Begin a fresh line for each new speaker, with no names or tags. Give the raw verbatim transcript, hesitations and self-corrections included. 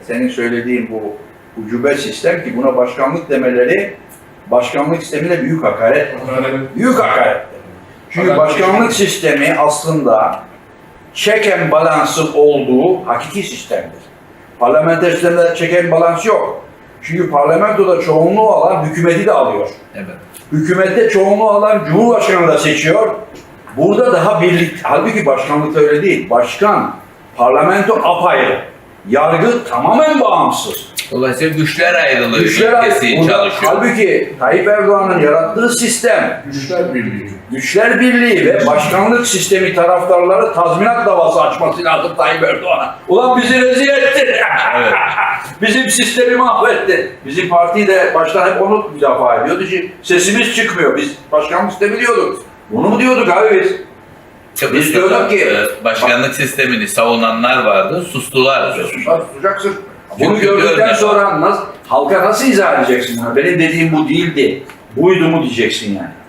Senin söylediğin bu ucube sistem ki buna başkanlık demeleri, başkanlık sistemine büyük hakaret. Büyük hakaret. Çünkü başkanlık sistemi aslında check and balance'ın olduğu hakiki sistemdir. Parlamenter sistemde check and balance yok. Çünkü parlamentoda çoğunluğu alan hükümeti de alıyor.
Evet.
Hükümette çoğunluğu alan Cumhurbaşkanı da seçiyor. Burada daha birlik, halbuki başkanlıkta öyle değil. Başkan, parlamento apayrı. Yargı tamamen bağımsız.
Dolayısıyla güçler ayrılığı
Güçler
ülkesi
ayrı- burada-
çalışıyor.
Halbuki Tayyip Erdoğan'ın yarattığı sistem,
Güçler Birliği.
Güçler Birliği ve başkanlık sistemi taraftarları tazminat davası açması lazım Tayyip Erdoğan'a. Ulan bizi rezil etti.
Evet.
Bizim sistemi mahvetti. Bizim parti de baştan hep onu müdafaa ediyordu ki sesimiz çıkmıyor. Biz başkanlık sistemi diyorduk. Bunu mu diyorduk abi biz? Biz diyorduk ki
e, başkanlık sistemini savunanlar vardı, sustular.
susar tutacaksın. Bunu
Çünkü
gördükten
görmüyor.
sonra nasıl, halka nasıl izah edeceksin? Benim dediğim bu değildi. Buydu mu diyeceksin yani.